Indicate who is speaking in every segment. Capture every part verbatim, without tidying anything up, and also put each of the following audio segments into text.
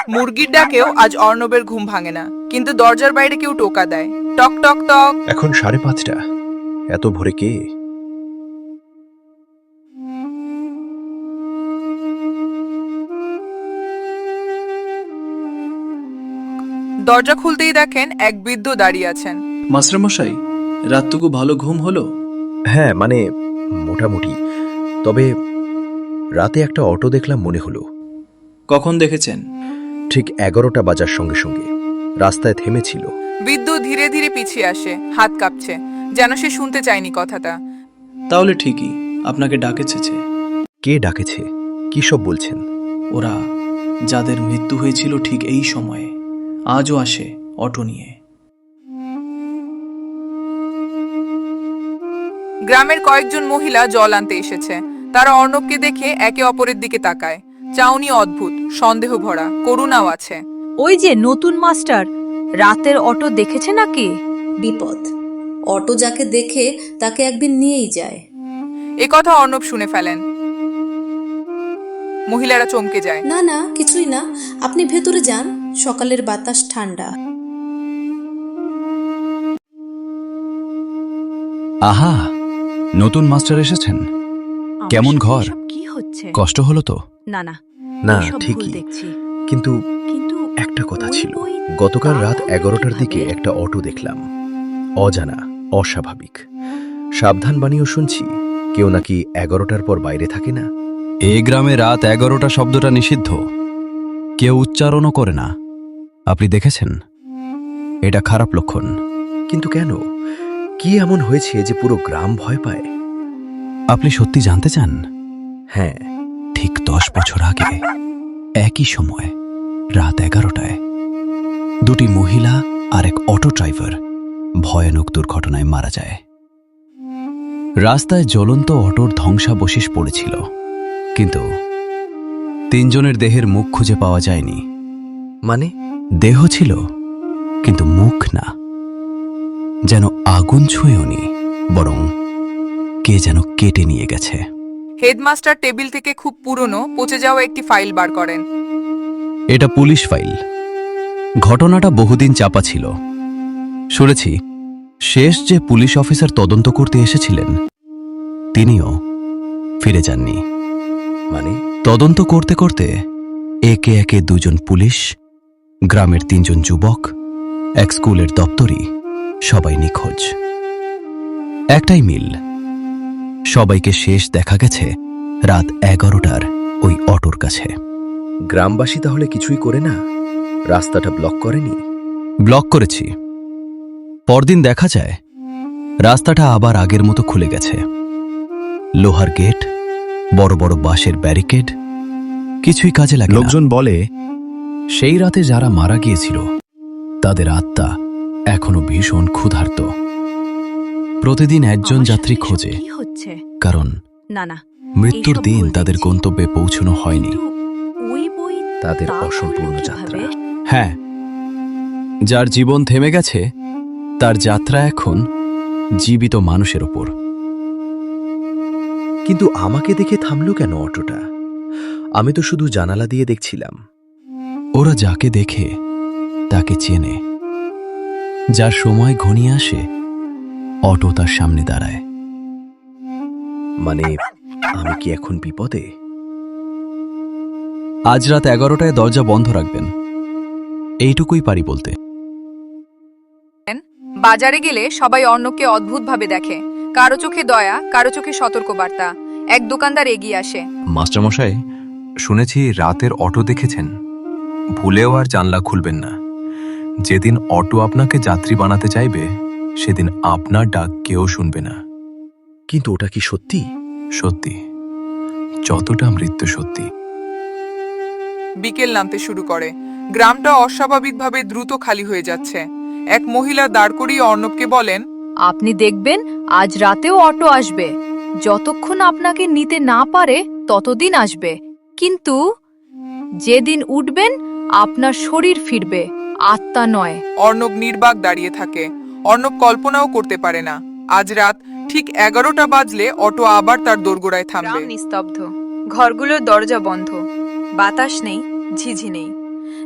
Speaker 1: মুরগির ডাকেও আজ অর্ণবের ঘুম ভাঙে না, কিন্তু দরজার বাইরে কেউ টোকা দেয়, টক টক টক।
Speaker 2: এখন সাড়ে পাঁচটা, এত ভোরে কে?
Speaker 1: দরজা খুলতেই দেখেন এক বৃদ্ধ দাঁড়িয়ে আছেন।
Speaker 3: মাস্টারমশাই, রাতটুকু ভালো ঘুম হলো?
Speaker 2: হ্যাঁ, মানে মোটামুটি। তবে রাতে একটা অটো দেখলাম, মনে হলো।
Speaker 3: কখন দেখেছেন?
Speaker 2: ঠিক এগারোটা বাজার সঙ্গে সঙ্গে রাস্তায় থেমেছিল।
Speaker 1: বৃদ্ধ ধীরে ধীরে পিছিয়ে আসে, হাত কাঁপছে, যেন সে শুনতে চায়নি কথাটা।
Speaker 3: তাহলে ঠিকই, আপনাকে ডাকেছে।
Speaker 2: কে ডাকেছে? কি সব বলছেন?
Speaker 3: ওরা যাদের মৃত্যু হয়েছিল ঠিক এই সময়ে আজও আসে অটো নিয়ে।
Speaker 1: গ্রামের কয়েকজন মহিলা জল আনতে এসেছে। তারা অর্ণবকে দেখে একে অপরের দিকে তাকায়। চাউনি অদ্ভুত, সন্দেহ ভরা, করুণাও আছে।
Speaker 4: ওই যে নতুন মাস্টার, রাতের অটো দেখেছে নাকি?
Speaker 5: বিপদ। অটো যাকে দেখে তাকে একদিন নিয়েই যায়।
Speaker 1: এ কথা অর্ণব শুনে ফেলেন। মহিলারা চমকে যায়।
Speaker 5: না না, কিছুই না, আপনি ভেতরে যান, সকালের বাতাস ঠান্ডা।
Speaker 6: আহা, নতুন মাস্টার এসেছেন। কেমন ঘর?
Speaker 4: কি হচ্ছে?
Speaker 6: কষ্ট হলো তো?
Speaker 4: না না
Speaker 2: না,
Speaker 4: এসব ভুল
Speaker 2: ঠিকই।
Speaker 4: দেখছি।
Speaker 2: কিন্তু
Speaker 4: কিন্তু
Speaker 2: একটা কথা
Speaker 4: ওই
Speaker 2: ছিল।
Speaker 4: বই
Speaker 2: গতকাল রাত
Speaker 4: তাহলে
Speaker 2: এগারোটার
Speaker 4: কিভাবে?
Speaker 2: দিকে একটা অটো দেখলাম, অজানা, অস্বাভাবিক। সাবধান বাণীও শুনছি, কেউ নাকি এগারোটার পর বাইরে থাকে না।
Speaker 6: এ গ্রামে রাত এগারোটা শব্দটা নিষিদ্ধ, কেউ উচ্চারণও করে না। আপনি দেখেছেন? এটা খারাপ লক্ষণ।
Speaker 2: কিন্তু কেন? কি এমন হয়েছে যে পুরো গ্রাম ভয় পায়?
Speaker 6: আপনি সত্যি জানতে চান?
Speaker 2: হ্যাঁ।
Speaker 6: ঠিক দশ বছর আগে একই সময় রাত এগারোটায় দুটি মহিলা আর এক অটো ড্রাইভার ভয়ানক দুর্ঘটনায় মারা যায়। রাস্তায় জ্বলন্ত অটোর ধ্বংসাবশেষ পড়েছিল, কিন্তু তিনজনের দেহের মুখ খুঁজে পাওয়া যায়নি।
Speaker 2: মানে?
Speaker 6: দেহ ছিল, কিন্তু মুখ না। যেন আগুন ছুঁয়েওনি, বরং কে যেন কেটে নিয়ে গেছে।
Speaker 1: হেডমাস্টার টেবিল থেকে খুব পুরনো, পচে যাওয়া একটি ফাইল বার করেন।
Speaker 6: এটা পুলিশ ফাইল। ঘটনাটা বহুদিন চাপা ছিল। শুনেছি শেষ যে পুলিশ অফিসার তদন্ত করতে এসেছিলেন তিনিও ফিরে যাননি।
Speaker 2: মানে?
Speaker 6: তদন্ত করতে করতে একে একে দুজন পুলিশ, গ্রামের তিনজন যুবক, এক স্কুলের দপ্তরি, সবাই নিখোঁজ। একটাই মিল, সবাইকে শেষ দেখা গেছে রাত এগারোটার ওই অটোর কাছে।
Speaker 2: গ্রামবাসী তাহলে কিছুই করে না? রাস্তাটা ব্লক করেনি?
Speaker 6: ব্লক করেছি। পরদিন দেখা যায় রাস্তাটা আবার আগের মতো খুলে গেছে। লোহার গেট, বড় বড় বাঁশের ব্যারিকেড, কিছুই কাজে লাগে না। লোকজন বলে সেই রাতে যারা মারা গিয়েছিল তাদের আত্মা এখনো ভীষণ ক্ষুধার্ত। প্রতিদিন একজন
Speaker 4: আমার
Speaker 6: যাত্রী
Speaker 4: সাথে এসব
Speaker 6: খোঁজে,
Speaker 4: কি হচ্ছে?
Speaker 6: কারণ
Speaker 4: না না
Speaker 6: মৃত্যুর
Speaker 4: এইসব
Speaker 6: দিন
Speaker 4: ভুল
Speaker 6: তাদের
Speaker 4: দেখছি।
Speaker 6: গন্তব্যে পৌঁছানো হয়নি।
Speaker 4: কিন্তু ওই বই
Speaker 2: তাদের
Speaker 4: তাহলে
Speaker 2: অসম্পূর্ণ
Speaker 4: কিভাবে?
Speaker 2: যাত্রা।
Speaker 6: হ্যাঁ, যার জীবন থেমে গেছে তার যাত্রা এখন জীবিত মানুষের ওপর।
Speaker 2: কিন্তু আমাকে দেখে থামলো কেন অটোটা? আমি তো শুধু জানালা দিয়ে দেখছিলাম।
Speaker 6: ওরা যাকে দেখে তাকে চেনে। যার সময় ঘনিয়ে আসে অটো তার সামনে দাঁড়ায়।
Speaker 2: মানে আমি কি এখন বিপদে?
Speaker 6: আজ রাত এগারোটায় দরজা বন্ধ রাখবেন, এইটুকুই পারি বলতে।
Speaker 1: বাজারে গেলে সবাই অর্ণবকে অদ্ভুতভাবে দেখে। কারো চোখে দয়া, কারো চোখে সতর্কবার্তা। এক দোকানদার এগিয়ে আসে।
Speaker 7: মাস্টারমশাই, শুনেছি রাতের অটো দেখেছেন। ভুলেও আর জানলা খুলবেন না। যেদিন অটো আপনাকে যাত্রী বানাতে চাইবে সেদিন আপনার ডাক কেউ শুনবে না।
Speaker 2: কিন্তু ওটা কি সত্যি?
Speaker 7: সত্যি, যতটা মৃত্যু সত্যি।
Speaker 1: বিকেল নামতে শুরু করে। গ্রামটা অস্বাভাবিকভাবে দ্রুত খালি হয়ে যাচ্ছে। এক মহিলা দাঁড় করিয়ে অর্ণবকে বলেন,
Speaker 4: আপনি দেখবেন আজ রাতেও অটো আসবে। যতক্ষণ আপনাকে নিতে না পারে ততদিন আসবে, কিন্তু যেদিন উঠবেন আপনার শরীর ফিরবে, আত্মা নয়।
Speaker 1: অর্ণব নির্বাক দাঁড়িয়ে থাকে। অর্ণব কল্পনাও করতে পারে না আজ রাত ঠিক এগারোটা বাজলে অটো আবার তার দোরগোড়ায় থামবে।
Speaker 8: নিস্তব্ধ, ঘরগুলোর দরজা বন্ধ, বাতাস নেই, ঝিঝি নেই,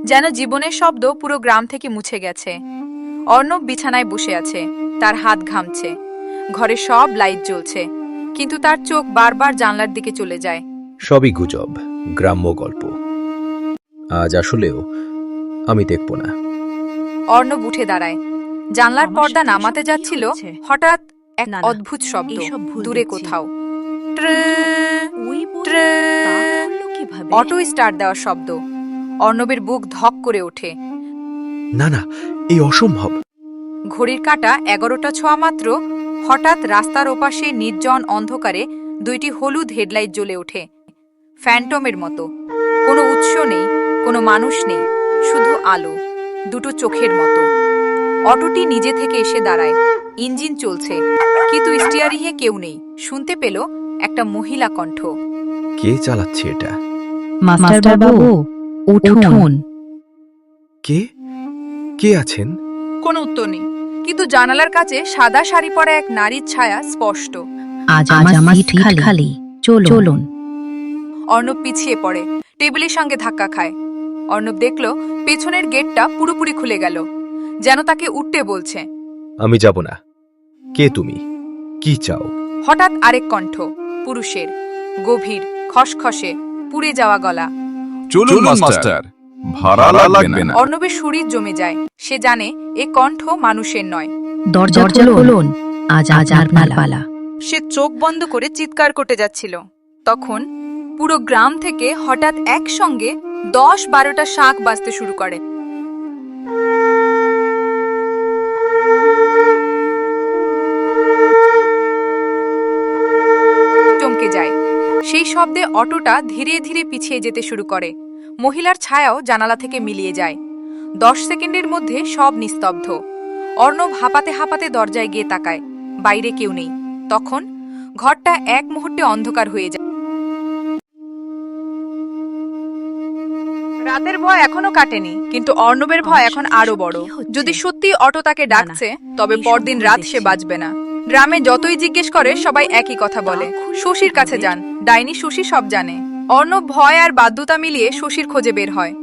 Speaker 4: যেন জীবনের শব্দ পুরো গ্রাম থেকে মুছে গেছে। অর্ণব বিছানায় বসে আছে, তার হাত ঘামছে। ঘরে সব লাইট জ্বলছে, কিন্তু তার চোখ বারবার জানলার দিকে চলে যায়।
Speaker 2: সবই গুজব, গ্রাম্য গল্প। আজ আসলেও আমি দেখব না।
Speaker 4: অর্ণব উঠে দাঁড়ায়। জানলার পর্দা নামাতে যাচ্ছিল, হঠাৎ এক অদ্ভুত শব্দ দূরে কোথাও। Tray, tray. অটো স্টার্ট দেওয়ার শব্দ। অর্ণবের বুক ধক করে ওঠে।
Speaker 2: না না, এই অসম্ভব।
Speaker 4: ঘড়ির কাঁটা এগারোটা ছোঁয়া মাত্র হঠাৎ রাস্তার ওপাশে নির্জন অন্ধকারে দুইটি হলুদ হেডলাইট জ্বলে ওঠে, ফ্যান্টমের মতো। কোনো উৎস নেই, কোনো মানুষ নেই, শুধু আলো, দুটো চোখের মতো। অটোটি নিজে থেকে এসে দাঁড়ায়। ইঞ্জিন চলছে, কিন্তু স্টিয়ারিংয়ে কেউ নেই। শুনতে পেল একটা মহিলা কণ্ঠ।
Speaker 2: কে চালাচ্ছে এটা?
Speaker 8: মাস্টার বাবু, উঠুন।
Speaker 2: কে কে আছেন?
Speaker 4: কোনো উত্তর নেই, কিন্তু জানালার কাছে সাদা শাড়ি পরা এক নারীর ছায়া স্পষ্ট।
Speaker 8: আজ আমার সিট খালি, চলুন।
Speaker 4: অর্ণব পিছিয়ে পড়ে, টেবিলের সঙ্গে ধাক্কা খায়। অর্ণব দেখল পেছনের গেটটা পুরোপুরি খুলে গেল, যেন তাকে উঠতে বলছে।
Speaker 2: আমি যাব না। কে তুমি? কি চাও?
Speaker 4: হঠাৎ আরেক কণ্ঠ, পুরুষের, গভীর, খসখসে, পুড়ে যাওয়া গলা।
Speaker 7: চলুন মাস্টার, ভাড়া লাগবে না।
Speaker 4: অর্ণবের শরীর জমে যায়। সে জানে এ কণ্ঠ মানুষের নয়।
Speaker 8: দরজা খুলুন, আজ আজ আপনার পালা।
Speaker 4: সে চোখ বন্ধ করে চিৎকার করতে যাচ্ছিল, তখন পুরো গ্রাম থেকে হঠাৎ একসঙ্গে দশ বারোটা শাঁখ বাজতে শুরু করে। চমকে যায়। সেই শব্দে অটোটা ধীরে ধীরে পিছিয়ে যেতে শুরু করে। মহিলার ছায়াও জানালা থেকে মিলিয়ে যায়। দশ সেকেন্ডের মধ্যে সব নিস্তব্ধ। অর্ণব হাঁপাতে হাঁপাতে দরজায় গিয়ে তাকায়, বাইরে কেউ নেই। তখন ঘরটা এক মুহূর্তে অন্ধকার হয়ে যায়। রাতের ভয় এখনো কাটেনি, কিন্তু অর্ণবের ভয় এখন আরো বড়। যদি সত্যি অটো তাকে ডাকছে, তবে পরদিন রাত সে বাঁচবে না। গ্রামে যতই জিজ্ঞেস করে সবাই একই কথা বলে, শশীর কাছে যান, ডাইনি শশী সব জানে। অর্ণব ভয় আর বাধ্যতা মিলিয়ে শশীর খোঁজে বের হয়।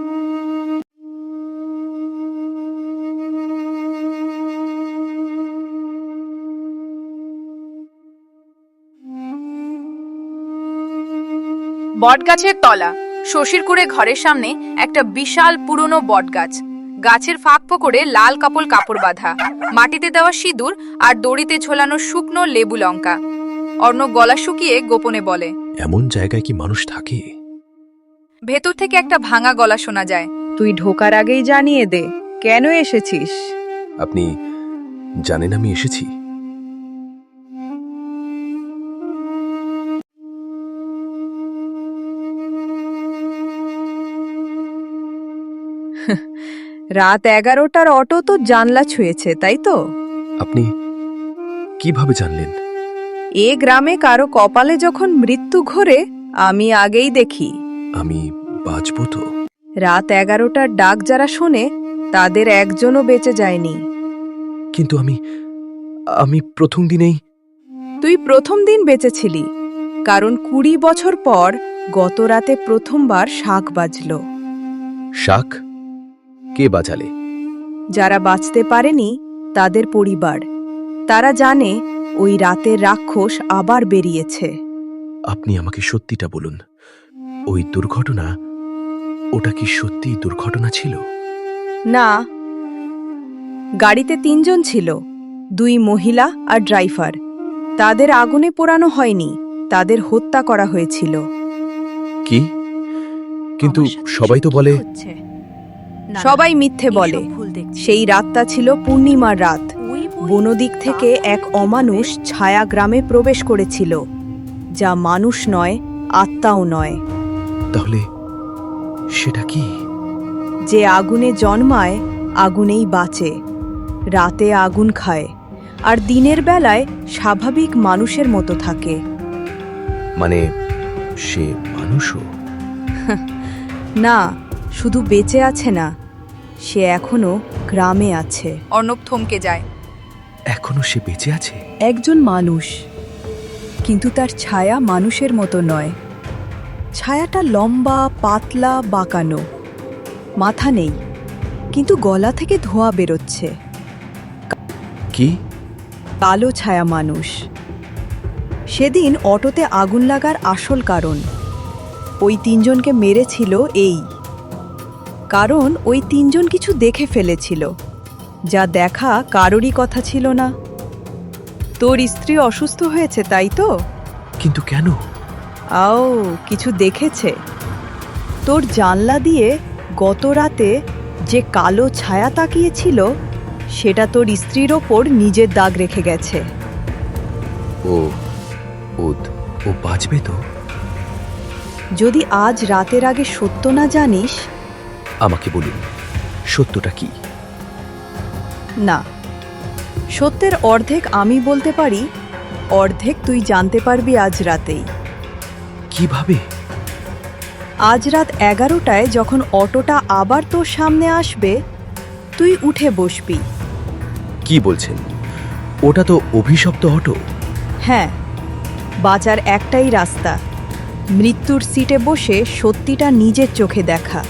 Speaker 4: বটগাছের তলা। শশীর কুড়ে ঘরের সামনে একটা বিশাল পুরনো বটগাছ। গাছের ফাঁক ফোকরে লাল কাপড় কাপড় বাঁধা, মাটিতে দেওয়া সিঁদুর আর দড়িতে ঝোলানো শুকনো লেবু লঙ্কা। অর্ণব গলা শুকিয়ে গোপনে বলে,
Speaker 2: এমন জায়গায় কি মানুষ থাকে?
Speaker 4: ভেতর থেকে একটা ভাঙা গলা শোনা যায়।
Speaker 1: তুই ঢোকার আগেই জানিয়ে দে কেন এসেছিস।
Speaker 2: আপনি জানেন আমি এসেছি?
Speaker 1: রাত এগারোটার অটো তো জানলা ছুঁয়েছে, তাই তো?
Speaker 2: আপনি কিভাবে জানলেন?
Speaker 1: এ গ্রামে কারো কপালে যখন মৃত্যু ঘোরে আমি আগেই দেখি।
Speaker 2: আমি বাঁচব তো?
Speaker 1: রাত এগারোটার ডাক যারা শোনে তাদের একজনও বেঁচে যায়নি।
Speaker 2: কিন্তু আমি আমি প্রথম দিনেই।
Speaker 1: তুই প্রথম দিন বেঁচেছিলি, কারণ কুড়ি বছর পর গত রাতে প্রথমবার শাঁখ বাজল।
Speaker 2: শাক? কে বাজালে?
Speaker 1: যারা বাঁচতে পারেনি তাদের পরিবার। তারা জানে ওই রাতের রাক্ষস আবার বেরিয়েছে।
Speaker 2: আপনি আমাকে সত্যিটা বলুন, ওই দুর্ঘটনা, ওটা কি সত্যিই দুর্ঘটনা ছিল?
Speaker 1: না, গাড়িতে তিনজন ছিল, দুই মহিলা আর ড্রাইভার। তাদের আগুনে পোড়ানো হয়নি, তাদের হত্যা করা হয়েছিল।
Speaker 2: কি? কিন্তু সবাই তো বলে।
Speaker 1: সবাই মিথ্যে বলে। সেই রাতটা ছিল পূর্ণিমার রাত। বনদিক থেকে এক অমানুষ ছায়া গ্রামে প্রবেশ করেছিল, যা মানুষ নয়, আত্মাও নয়।
Speaker 2: তাহলে সেটা কি?
Speaker 1: যে আগুনে জন্মায় আগুনেই বাঁচে, রাতে আগুন খায়, আর দিনের বেলায় স্বাভাবিক মানুষের মতো থাকে।
Speaker 2: মানে সে মানুষও?
Speaker 1: না, শুধু বেঁচে আছে না, সে এখনো গ্রামে আছে।
Speaker 4: অর্ণব থমকে যায়।
Speaker 2: এখনো সে বেঁচে আছে?
Speaker 1: একজন মানুষ, কিন্তু তার ছায়া মানুষের মতো নয়। ছায়াটা লম্বা, পাতলা, বাঁকানো। মাথা নেই, কিন্তু গলা থেকে ধোঁয়া বেরোচ্ছে।
Speaker 2: কি?
Speaker 1: কালো ছায়া মানুষ। সেদিন অটোতে আগুন লাগার আসল কারণ ওই তিনজনকে মেরেছিল এই, কারণ ওই তিনজন কিছু দেখে ফেলেছিল যা দেখা কারোরই কথা ছিল না। তোর স্ত্রী অসুস্থ হয়েছে, তাই তো?
Speaker 2: কিন্তু কেন?
Speaker 1: আও, কিছু দেখেছে। তোর জানলা দিয়ে গত রাতে যে কালো ছায়া তাকিয়েছিল সেটা তোর স্ত্রীর ওপর নিজের দাগ রেখে গেছে।
Speaker 2: ও ও ও বাঁচবে তো?
Speaker 1: যদি আজ রাতের আগে সত্য না জানিস।
Speaker 2: আমাকে বলুন, সত্যটা কি?
Speaker 1: না, সত্যের অর্ধেক আমি বলতে পারি, অর্ধেক তুই জানতে পারবি আজ রাতেই।
Speaker 2: কিভাবে?
Speaker 1: আজ রাত এগারোটায় যখন অটোটা আবার তোর সামনে আসবে, তুই উঠে বসবি।
Speaker 2: কি বলছেন? ওটা তো অভিশপ্ত অটো।
Speaker 1: হ্যাঁ, বাঁচার একটাই রাস্তা, মৃত্যুর সিটে বসে সত্যিটা নিজের চোখে দেখা।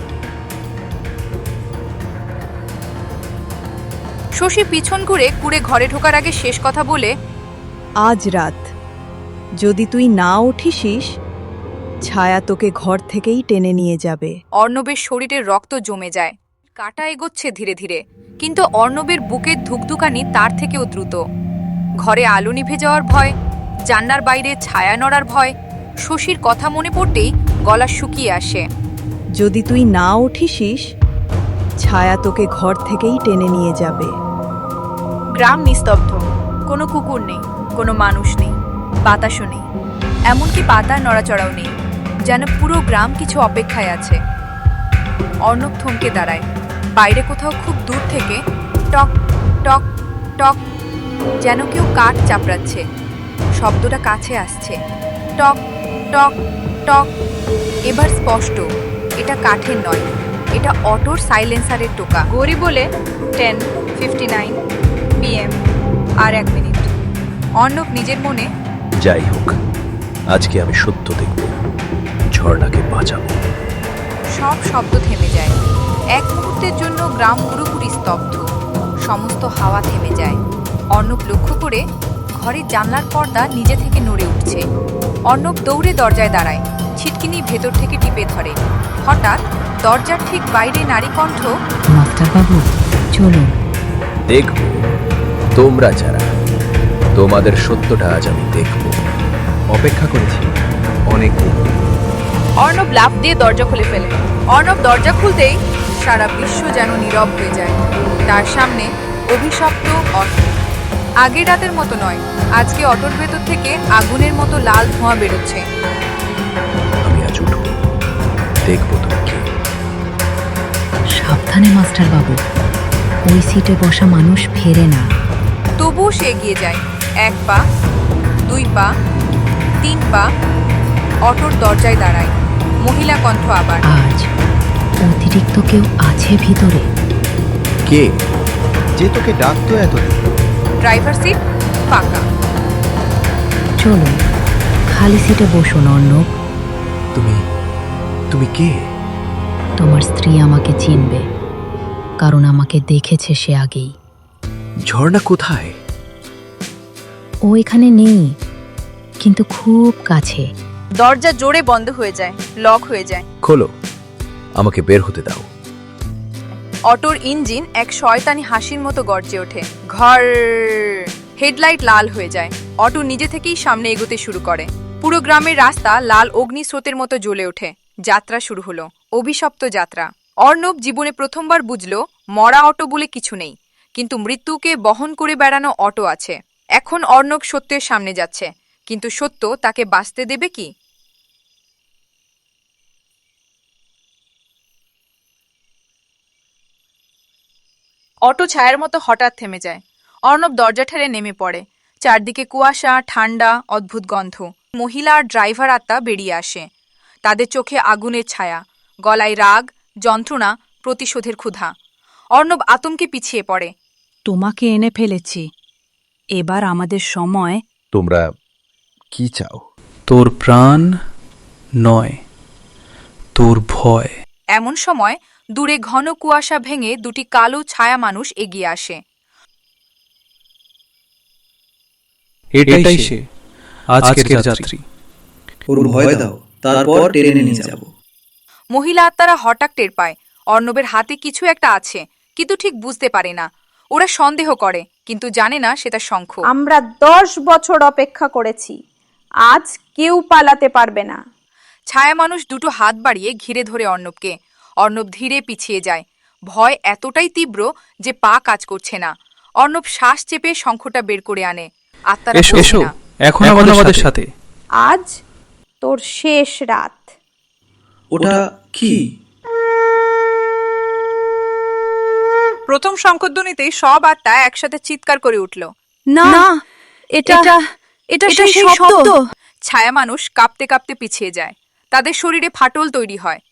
Speaker 4: শশী পিছন ঘুরে কুড়ে ঘরে ঢোকার আগে শেষ কথা বলে,
Speaker 1: আজ রাত যদি তুই না উঠিসিস, ছায়া তোকে ঘর থেকেই টেনে নিয়ে যাবে।
Speaker 4: অর্ণবের শরীরে রক্ত জমে যায়, কাটা এগোচ্ছে ধীরে ধীরে, কিন্তু অর্ণবের বুকের ধুকধুকানি তার থেকেও দ্রুত। ঘরে আলো নিভে যাওয়ার ভয়, জান্নার বাইরে ছায়া নড়ার ভয়। শশীর কথা মনে পড়তেই গলা শুকিয়ে আসে।
Speaker 1: যদি তুই না উঠিসিস, ছায়া তোকে ঘর থেকেই টেনে নিয়ে যাবে।
Speaker 4: গ্রাম নিস্তব্ধ, কোনো কুকুর নেই, কোনো মানুষ নেই, বাতাসও নেই, এমনকি পাতার নড়াচড়াও নেই, যেন পুরো গ্রাম কিছু অপেক্ষায় আছে। অর্ণব থমকে দাঁড়ায়। বাইরে কোথাও খুব দূর থেকে টক টক টক, যেন কেউ কাঠ চাপড়াচ্ছে। শব্দটা কাছে আসছে, টক টক টক। এবার স্পষ্ট, এটা কাঠের নয়, এটা অটোর সাইলেন্সারের টোকা। গড়ি বলে টেন ফিফটি নাইন পিএম, আর এক মিনিট। অর্ণব নিজের মনে,
Speaker 2: যাই হোক, আজকে আমি সত্য দেখব, ঝর্ণাকে বাঁচাবো।
Speaker 4: সব শব্দ থেমে যায়। এক মুহূর্তের জন্য গ্রাম পুরোপুরি স্তব্ধ, সমস্ত হাওয়া থেমে যায়। অর্ণব লক্ষ্য করে ঘরের জানলার পর্দা নিজে থেকে নড়ে উঠছে। অর্ণব দৌড়ে দরজায় দাঁড়ায়, ছিটকিনি ভেতর থেকে টিপে ধরে। হঠাৎ দরজার ঠিক বাইরে নারী কণ্ঠ,
Speaker 8: মাস্টারবাবু চলুন।
Speaker 2: দেখব তোমরা যারা, তোমাদের সত্যটা আজ আমি দেখব। অপেক্ষা করেছি অনেক দিন।
Speaker 4: অর্ণব লাফ দিয়ে দরজা খুলে ফেলে। অর্ণব দরজা খুলতেই সারা বিশ্ব যেন নীরব হয়ে যায়। তার সামনে অভিশপ্ত অটো। আগের রাতের মতো নয়, আজকে অটোর ভেতর থেকে আগুনের মতো লাল ধোঁয়া বেরোচ্ছে।
Speaker 2: আমি আজ উঠব, দেখব তুমি কে।
Speaker 8: সাবধানে মাস্টারবাবু, ওই সিটে বসা মানুষ ফেরে না।
Speaker 4: তবুও সে এগিয়ে যায়। এক পা, দুই পা, তিন পা। অটোর দরজায় দাঁড়ায়। মহিলা কণ্ঠ আবার,
Speaker 8: আজ অতিরিক্ত কেউ আছে ভিতরে।
Speaker 2: কে? যে তোকে ডাকতো এতদিন।
Speaker 4: ড্রাইভার সিট ফাঁকা।
Speaker 8: চলুন, খালি সিটে বসুন অর্ণব।
Speaker 2: তুমি তুমি কে?
Speaker 8: তোমার স্ত্রী আমাকে চিনবে, কারণ আমাকে দেখেছে সে আগেই।
Speaker 2: ঝর্ণা কোথায়?
Speaker 8: ও এখানে নেই, কিন্তু খুব কাছে।
Speaker 4: দরজা জোরে বন্ধ হয়ে যায়, লক হয়ে যায়।
Speaker 2: খোলো, আমাকে বের হতে দাও।
Speaker 4: অটোর ইঞ্জিন এক শয়তানি হাসির মতো গর্জে ওঠে। ঘর। হেডলাইট লাল হয়ে যায়। অটো নিজে থেকেই সামনে এগোতে শুরু করে। পুরো গ্রামের রাস্তা লাল অগ্নিস্রোতের মতো জ্বলে ওঠে। যাত্রা শুরু হলো, অভিশপ্ত যাত্রা। অর্ণব জীবনে প্রথমবার বুঝল মরা অটো বলে কিছু নেই, কিন্তু মৃত্যুকে বহন করে বেড়ানো অটো আছে। এখন অর্ণব সত্যের সামনে যাচ্ছে, কিন্তু সত্য তাকে বাঁচতে দেবে কি? অটো ছায়ার মতো হঠাৎ থেমে যায়। অর্ণব দরজা ঠেলে নেমে পড়ে। চারদিকে কুয়াশা, ঠান্ডা, অদ্ভুত গন্ধ। মহিলা আর ড্রাইভার আত্মা বেরিয়ে আসে। তাদের চোখে আগুনের ছায়া, গলায় রাগ, যন্ত্রণা, প্রতিশোধের ক্ষুধা। অর্ণব আতঙ্কে পিছিয়ে পড়ে।
Speaker 9: তোমাকে এনে ফেলেছি, এবার আমাদের সময়।
Speaker 2: তোমরা কি চাও?
Speaker 3: তোর প্রাণ নয়, তোর ভয়।
Speaker 4: এমন সময় দূরে ঘন কুয়াশা ভেঙে দুটি কালো ছায়া মানুষ এগিয়ে আসে।
Speaker 3: এটাই সে, আজকের যাত্রী। ওর ভয় দাও, তারপর টেনে নিয়ে যাব।
Speaker 4: মহিলা আত্মারা হঠাৎ টের পায় অর্ণবের হাতে কিছু একটা আছে, কিন্তু ঠিক বুঝতে পারে না। ওরা সন্দেহ করে, কিন্তু জানে না সেটা শঙ্খ।
Speaker 10: আমরা দশ বছর অপেক্ষা করেছি, আজ কেউ পালাতে পারবে না।
Speaker 4: ছায়া মানুষ দুটো হাত বাড়িয়ে ঘিরে ধরে অর্ণবকে। অর্ণব ধীরে পিছিয়ে যায়। ভয় এতটাই তীব্র যে পা কাজ করছে না। অর্ণব শ্বাস চেপে শঙ্খটা বের করে আনে। আত্মারা
Speaker 3: এসো
Speaker 4: বোঝে
Speaker 3: এসো,
Speaker 4: না।
Speaker 3: এখন আমাদের সাথে।
Speaker 10: আজ তোর শেষ রাত।
Speaker 3: ওটা কি?
Speaker 4: প্রথম শঙ্খধ্বনিতেই সব আত্মা একসাথে চিৎকার করে উঠল।
Speaker 1: না, এটা এটা সেই শব্দ।
Speaker 4: ছায়া মানুষ কাঁপতে কাঁপতে পিছিয়ে যায়। তাদের শরীরে ফাটল তৈরি হয়।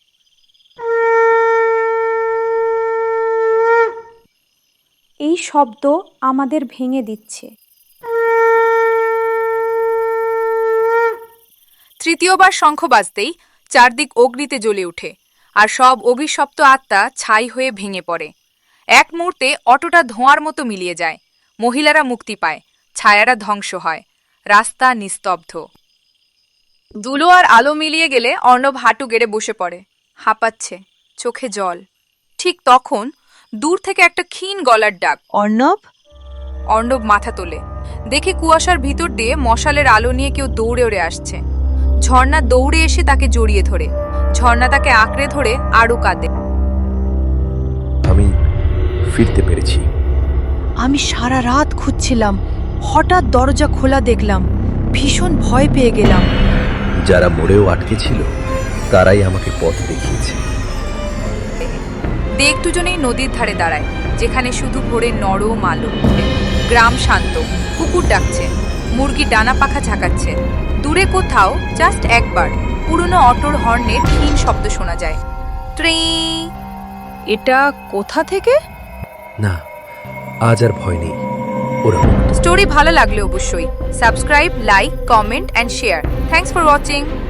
Speaker 10: এই শব্দ আমাদের ভেঙে দিচ্ছে।
Speaker 4: তৃতীয়বার শঙ্খ বাজতেই চারদিক অগ্নিতে জ্বলে ওঠে, আর সব অভিশপ্ত আত্মা ছাই হয়ে ভেঙে পড়ে। এক মুহূর্তে অটোটা ধোঁয়ার মতো মিলিয়ে যায়। মহিলারা মুক্তি পায়, ছায়ারা ধ্বংস হয়, রাস্তা নিস্তব্ধ। দুলো আর আলো মিলিয়ে গেলে অর্ণব হাঁটু গেড়ে বসে পড়ে, হাঁপাচ্ছে, চোখে জল। ঠিক তখন দূর থেকে একটা ক্ষীণ গলার ডাক,
Speaker 1: অর্ণব।
Speaker 4: অর্ণব মাথা তোলে, দেখে কুয়াশার ভিতর দিয়ে মশালের আলো নিয়ে কেউ দৌড়ে ওড়ে আসছে। ঝর্ণা দৌড়ে এসে তাকে জড়িয়ে ধরে। ঝর্ণা তাকে আঁকড়ে ধরে আরো কাঁদে।
Speaker 2: আমি ফিরতে পেরেছি।
Speaker 1: আমি সারা রাত খুঁজছিলাম, হঠাৎ দরজা খোলা দেখলাম, ভীষণ ভয় পেয়ে গেলাম।
Speaker 2: যারা মরেও আটকে ছিল তারাই আমাকে পথ দেখিয়েছে।
Speaker 4: দেখ দুজনেই নদীর ধারে দাঁড়ায়, যেখানে শুধু ভোরে নরম আলো। গ্রাম শান্ত, কুকুর ডাকছে, মুরগি ডানা পাখা ঝাঁকাচ্ছে। দূরে কোথাও জাস্ট একবার পুরনো অটোর হর্নের ক্ষীণ শব্দ শোনা যায়। ট্রি।
Speaker 1: এটা কোথা থেকে?
Speaker 2: না, আজ আর ভয় নেই। ওরা মুক্ত।
Speaker 4: স্টোরি ভালো লাগলে অবশ্যই subscribe, like, comment and share. Thanks for watching.